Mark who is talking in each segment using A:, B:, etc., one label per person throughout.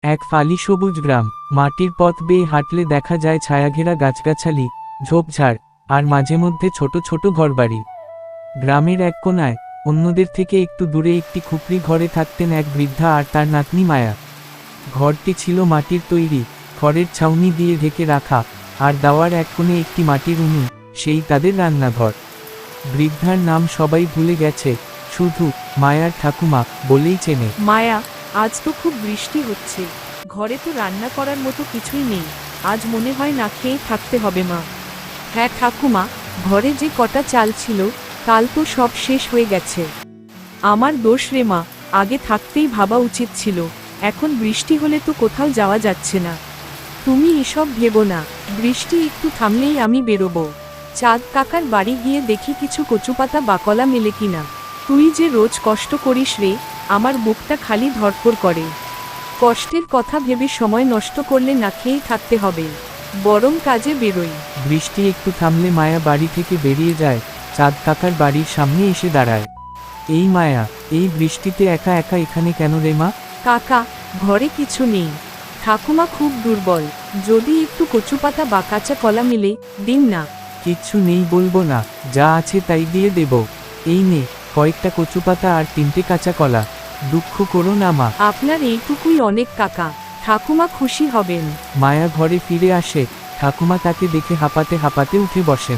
A: এক ফালি সবুজ গ্রাম। মাটির পথ বেয়ে হাঁটলে দেখা যায় ছায়াঘেরা গাছগাছালি, ঝোপঝাড়, আর মাঝে মধ্যে ছোট ছোট ঘরবাড়ি। গ্রামের এক কোণায়, অন্যদের থেকে একটু দূরে একটি খুপড়ি ঘরে থাকতেন এক বৃদ্ধা আর তার নাতনি মায়া। ঘরটি ছিল মাটির তৈরি, খড়ের ছাউনি দিয়ে ঢেকে রাখা, আর দাওয়ার এক কোণে একটি মাটির উনুন, সেই তাদের রান্নাঘর। বৃদ্ধার নাম সবাই ভুলে গেছে, শুধু মায়ার ঠাকুমা বলেই চেনে।
B: মায়া, আজ তো খুব বৃষ্টি হচ্ছে, ঘরে তো রান্না করার মতো কিছুই নেই, আজ মনে হয় না খেয়ে থাকতে হবে মা। হ্যাঁ ঠাকুমা, ঘরে যে কটা চাল ছিল কাল তো সব শেষ হয়ে গেছে। আমার দোষ রে মা, আগে থাকতেই ভাবা উচিত ছিল, এখন বৃষ্টি হলে তো কোথাও যাওয়া যাচ্ছে না। তুমি এসব ভেবো না, বৃষ্টি একটু থামলেই আমি বেরোবো। চাঁদ কাকার বাড়ি গিয়ে দেখি কিছু কচুপাতা বা কলা মেলে কিনা। তুই যে রোজ কষ্ট করিস রে, আমার বুকটা খালি ধড়ফড় করে। কষ্টের কথা ভেবে সময় নষ্ট করলে না খেয়েই থাকতে হবে, বরং কাজে বেরোই।
A: বৃষ্টি একটু থামলে মায়া বাড়ি থেকে বেরিয়ে যায়, চাঁদ কাকার বাড়ির সামনে এসে দাঁড়ায়। এই মায়া, এই বৃষ্টিতে একা একা এখানে কেন রে মা?
B: কাকা, ঘরে কিছু নেই, ঠাকুমা খুব দুর্বল, যদি একটু কচুপাতা বা কাঁচা কলা মিলে দিন না।
A: কিচ্ছু নেই বলবো না, যা আছে তাই দিয়ে দেব। এই নে, কয়েকটা কচুপাতা আর 3টে কাঁচা কলা। দুঃখ করো না মা।
B: আপনার এইটুকুই অনেক কাকা, ঠাকুমা খুশি হবেন।
A: মায়া ঘরে ফিরে আসে, ঠাকুমা তাকে দেখে হাঁপাতে হাঁপাতে উঠে বসেন।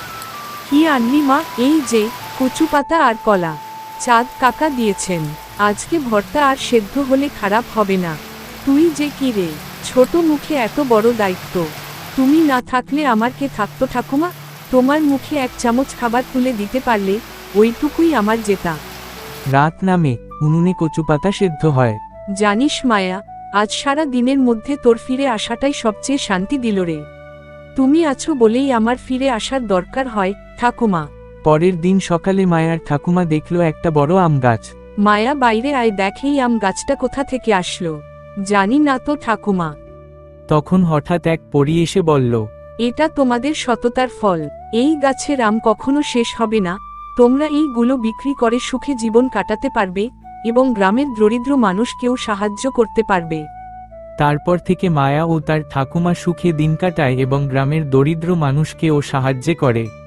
B: কি আনলি মা? এই যে কচুপাতা আর কলা, চাঁদ কাকা দিয়েছেন। আজকে ভর্তা আর সেদ্ধ হলে খারাপ হবে না। তুই যে কি রে, ছোট মুখে এত বড় দায়িত্ব। তুমি না থাকলে আমার কে থাকতো ঠাকুমা? তোমার মুখে এক চামচ খাবার তুলে দিতে পারলে ওইটুকুই আমার জেতা।
A: রাত নামে, উনুনে কচুপাতা সেদ্ধ হয়।
B: জানিস মায়া, আজ সারা দিনের মধ্যে তোর ফিরে আসাটাই সবচেয়ে শান্তি দিল রে। তুমি আছো বলেই আমার ফিরে আসার দরকার হয় ঠাকুমা।
A: পরের দিন সকালে মায়ার ঠাকুমা দেখল একটা বড় আম গাছ।
B: মায়া, বাইরে আয়, দেখেই আম গাছটা কোথা থেকে আসলো। জানি না তো ঠাকুমা।
A: তখন হঠাৎ এক পরী এসে বলল,
B: এটা তোমাদের সততার ফল, এই গাছের আম কখনো শেষ হবে না। তোমরা এইগুলো বিক্রি করে সুখে জীবন কাটাতে পারবে এবং গ্রামের দরিদ্র মানুষকেও সাহায্য করতে পারবে।
A: তারপর থেকে মায়া ও তার ঠাকুমা সুখে দিন কাটায় এবং গ্রামের দরিদ্র মানুষকেও সাহায্য করে।